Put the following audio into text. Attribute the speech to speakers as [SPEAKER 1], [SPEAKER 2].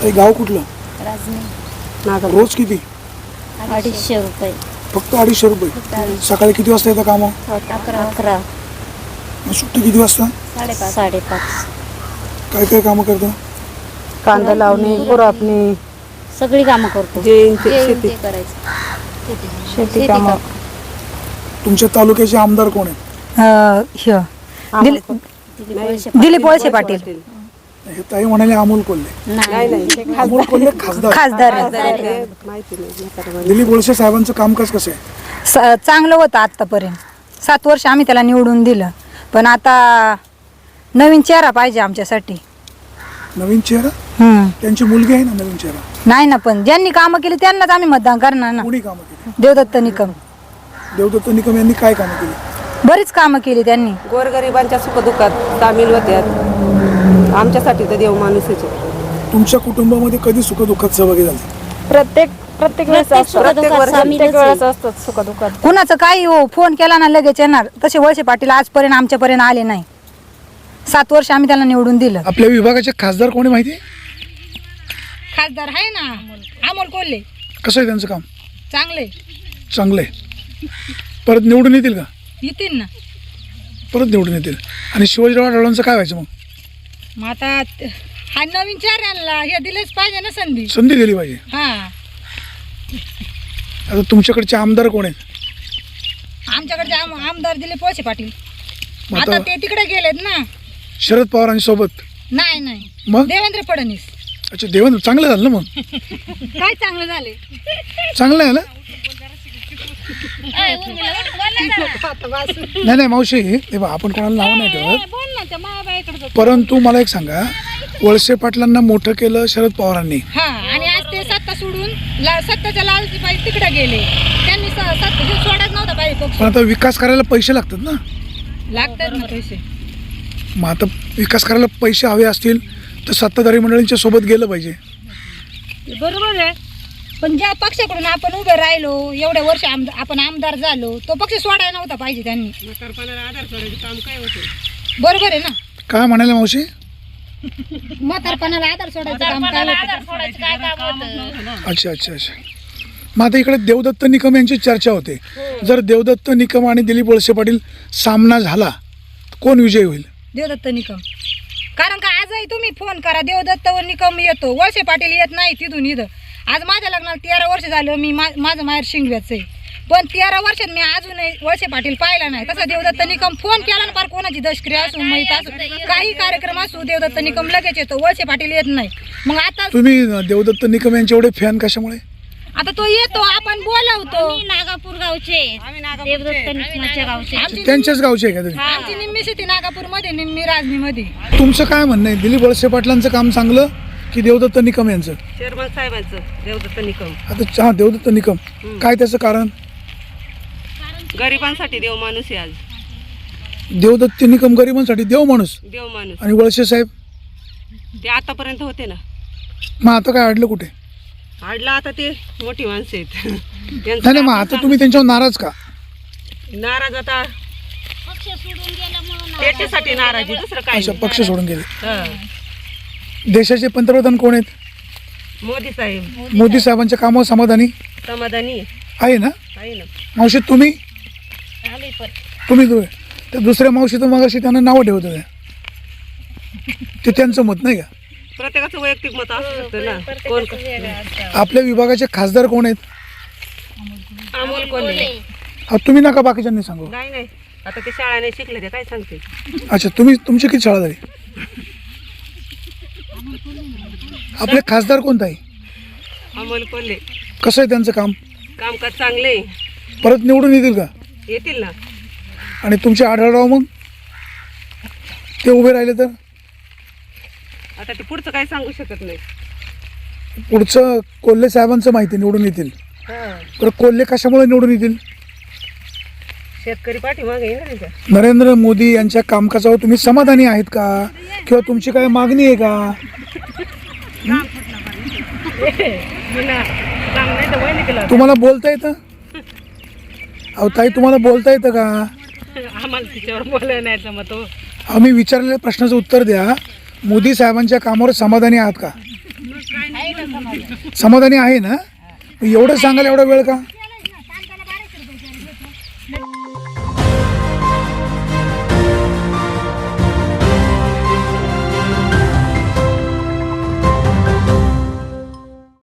[SPEAKER 1] ते गाव कुठलं?
[SPEAKER 2] राजनी.
[SPEAKER 1] रोज किती?
[SPEAKER 2] 250 रुपये.
[SPEAKER 1] फक्त 250 रुपये. सकाळी किती वाजता येतं कामं?
[SPEAKER 2] 11.
[SPEAKER 1] सुट्टी किती वाजता?
[SPEAKER 2] 5:30.
[SPEAKER 1] काय काय कामं करता?
[SPEAKER 3] कांदा लावणे, खुरपणी,
[SPEAKER 2] सगळी कामं करतो.
[SPEAKER 3] शेती
[SPEAKER 2] शेती
[SPEAKER 3] कामं.
[SPEAKER 1] तुमच्या तालुक्याचे आमदार कोण आहेत?
[SPEAKER 4] दिलीप वळसे पाटील
[SPEAKER 1] हे ताई म्हणाले अमोल कोल्हे.
[SPEAKER 2] नाही.
[SPEAKER 1] अमोल कोल्हे खासदार.
[SPEAKER 4] खासदार
[SPEAKER 3] माहिती नाही.
[SPEAKER 1] दिलीप वळसे साहेबांचं कामकाज कसं आहे?
[SPEAKER 4] चांगलं होतं आत्तापर्यंत. 7 वर्ष आम्ही त्याला निवडून दिलं, पण आता नवीन चेहरा पाहिजे आमच्यासाठी.
[SPEAKER 1] नवीन चेहरा? त्यांची मुलगी आहे ना नवीन चेहरा.
[SPEAKER 4] नाही ना, पण ज्यांनी कामं केली त्यांनाच आम्ही मतदान करणार ना.
[SPEAKER 1] कोणी कामं केली?
[SPEAKER 4] देवदत्त निकम
[SPEAKER 1] देवदत्त निकम यांनी काय कामं केली?
[SPEAKER 4] बरीच कामं केली त्यांनी.
[SPEAKER 3] गोरगरिबांच्या सुखदुःखात सामील होत्यात. आमच्यासाठी तर देव माणूसच आहे.
[SPEAKER 1] तुमच्या कुटुंबामध्ये कधी सुखदुःखात सहभागी झाले?
[SPEAKER 3] प्रत्येक वेळेस असतात सुखदुःखात.
[SPEAKER 4] कुणाचं काही हो, फोन केला ना लगेच येणार. तसे वळसे पाटील आजपर्यंत आमच्यापर्यंत आले नाही. 7 वर्ष आम्ही त्याला निवडून दिलं.
[SPEAKER 1] आपल्या विभागाचे खासदार कोणी माहिती?
[SPEAKER 4] खासदार आहे ना अमोल कोल्हे.
[SPEAKER 1] कसं आहे त्यांचं काम?
[SPEAKER 4] चांगले
[SPEAKER 1] चांगलं आहे. परत निवडून येतील का?
[SPEAKER 4] येतील ना.
[SPEAKER 1] परत निवडून येतील. आणि शिवाजीराव आढळरावांचं काय व्हायचं मग?
[SPEAKER 4] मग आता हा नवीन चेहऱ्याला हे दिलेच पाहिजे ना संधी.
[SPEAKER 1] संधी दिली पाहिजे.
[SPEAKER 4] हा,
[SPEAKER 1] आता तुमच्याकडचे आमदार कोण आहेत?
[SPEAKER 4] आमच्याकडचे आमदार दिलीप वळसे पाटील.
[SPEAKER 1] मग
[SPEAKER 4] आता
[SPEAKER 1] आता
[SPEAKER 4] ते तिकडे गेलेत ना.
[SPEAKER 1] शरद पवारांसोबत?
[SPEAKER 4] नाही
[SPEAKER 1] मग
[SPEAKER 4] देवेंद्र फडणवीस.
[SPEAKER 1] अच्छा, देवेंद्र चांगलं झालं ना मग.
[SPEAKER 4] काय चांगलं झाले.
[SPEAKER 1] चांगलं आहे ना. नाही मावशी, हे बघ, आपण कोणाला नाव नाही ठेवत, परंतु मला एक सांगा, वळसे पाटलांना मोठं केलं शरद पवारांनी.
[SPEAKER 4] हा, आणि आज ते सत्ता सोडून सत्ताच्या लालची पाहिजे तिकडे गेले. त्यांनी सोडत नव्हता पाहिजे पक्ष.
[SPEAKER 1] पण आता विकास करायला पैसे लागतात ना.
[SPEAKER 4] लागतात ना पैसे.
[SPEAKER 1] मग आता विकास करायला पैसे हवे असतील तर सत्ताधारी मंडळींच्या सोबत गेलं पाहिजे.
[SPEAKER 4] बरोबर आहे, पण ज्या पक्षाकडून आपण उभे राहिलो एवढ्या वर्ष आपण आमदार झालो, तो पक्ष सोडायला नव्हता पाहिजे त्यांनी. बरोबर आहे ना.
[SPEAKER 1] काय म्हणाले मावशी?
[SPEAKER 4] म्हातारपणाला आधार सोडायचं काम काय होतं?
[SPEAKER 1] अच्छा. मग आता इकडे देवदत्त निकम यांची चर्चा होते. जर देवदत्त निकम आणि दिलीप वळसे पाटील सामना झाला तर कोण विजयी होईल?
[SPEAKER 4] देवदत्त निकम. कारण का आजही तुम्ही फोन करा, देवदत्त व निकम येतो, वळसे पाटील येत नाही तिथून इथं. आज माझ्या लग्नाला 13 वर्ष झालं. मी माझं माहेर शिंगव्याचं आहे, पण 13 वर्षात मी अजूनही वळसे पाटील पाहिला नाही. तसा देवदत्त निकम फोन केला ना, फार कोणाची दशक्रिया असू, माहीत असू, काही कार्यक्रम असू, देवदत्त निकम लगेच येतो, वळसे पाटील येत नाही. मग आता
[SPEAKER 1] तुम्ही देवदत्त निकम यांचे एवढे फॅन कशामुळे?
[SPEAKER 4] आता तो येतो, आपण बोलावतो.
[SPEAKER 2] नागापूर गावचे, देवदत्त निकमाच्या गावचे.
[SPEAKER 1] त्यांच्याच गावचे आहे का तुम्ही?
[SPEAKER 4] आमची निम्मी शेती नागापूर मध्ये, निम्मी राजनी मध्ये.
[SPEAKER 1] तुमचं काय म्हणणं आहे? दिलीप वळसे पाटलांचं काम चांगलं की देवदत्त निकम यांचं?
[SPEAKER 3] चेअरमन साहेबांचं देवदत्त निकम.
[SPEAKER 1] आता देवदत्त निकम, काय त्याचं कारण?
[SPEAKER 3] गरिबांसाठी देव माणूस आहे. आज
[SPEAKER 1] देवदत्त निकम गरिबांसाठी देव माणूस,
[SPEAKER 3] देव माणूस.
[SPEAKER 1] आणि वळसे साहेब
[SPEAKER 3] ते आतापर्यंत होते ना.
[SPEAKER 1] मग आता काय अडलं कुठे?
[SPEAKER 3] आडला आता ते मोठी माणसं आहेत.
[SPEAKER 1] नाही मग आता तुम्ही त्यांच्यावर नाराज का?
[SPEAKER 3] नाराज आता त्याच्यासाठी नाराज आहे, दुसरं काय
[SPEAKER 1] अच्छा,
[SPEAKER 3] नाही.
[SPEAKER 1] पक्ष सोडून गेले.
[SPEAKER 3] हा.
[SPEAKER 1] देशाचे पंतप्रधान कोण आहेत?
[SPEAKER 3] मोदी साहेब
[SPEAKER 1] मोदी साहेबांच्या कामावर समाधानी
[SPEAKER 3] समाधानी
[SPEAKER 1] आहे ना?
[SPEAKER 3] आहे ना.
[SPEAKER 1] मावशी तुम्ही ते दुसऱ्या मावशी तर मग अशी त्यांना नावं ठेवत होत्या, ते त्यांचं मत नाही का?
[SPEAKER 3] प्रत्येकाचं वैयक्तिक मत असू शकतं ना. कोण
[SPEAKER 1] आपल्या विभागाचे खासदार कोण आहेत?
[SPEAKER 3] अमोल कोल्हे.
[SPEAKER 1] तुम्ही नका बाकीच्यांनी सांगू.
[SPEAKER 3] नाही आता ते शाळा नाही शिकले, ते काय सांगते.
[SPEAKER 1] अच्छा, तुमची किती शाळा झाली? आपले खासदार कोणता आहे?
[SPEAKER 3] अमोल कोल्हे.
[SPEAKER 1] कसं आहे त्यांचं
[SPEAKER 3] कामकाज चांगले.
[SPEAKER 1] परत निवडून येतील का?
[SPEAKER 3] येतील ना.
[SPEAKER 1] आणि तुमचे आढळराव मग ते उभे राहिले तर?
[SPEAKER 3] आता ते पुढचं काय सांगू शकत नाही.
[SPEAKER 1] पुढचं कोल्हे साहेबांचं माहिती, निवडून येतील. तर कोल्हे कशामुळे निवडून येतील?
[SPEAKER 3] शेतकरी पाठीमागे आहे ना त्यांच्या.
[SPEAKER 1] नरेंद्र मोदी यांच्या कामकाजावर तुम्ही समाधानी आहेत का, किंवा तुमची काय मागणी आहे का? तुम्हाला बोलता येतं? अहो ताई, तुम्हाला बोलता येतं का?
[SPEAKER 3] आम्हाला तिच्यावर बोलायला नाही जमत हो.
[SPEAKER 1] आम्ही विचारलेल्या प्रश्नाचं उत्तर द्या. मोदी साहेबांच्या कामावर समाधानी आहात का? समाधानी आहे ना? एवढं सांगायला एवढा वेळ का?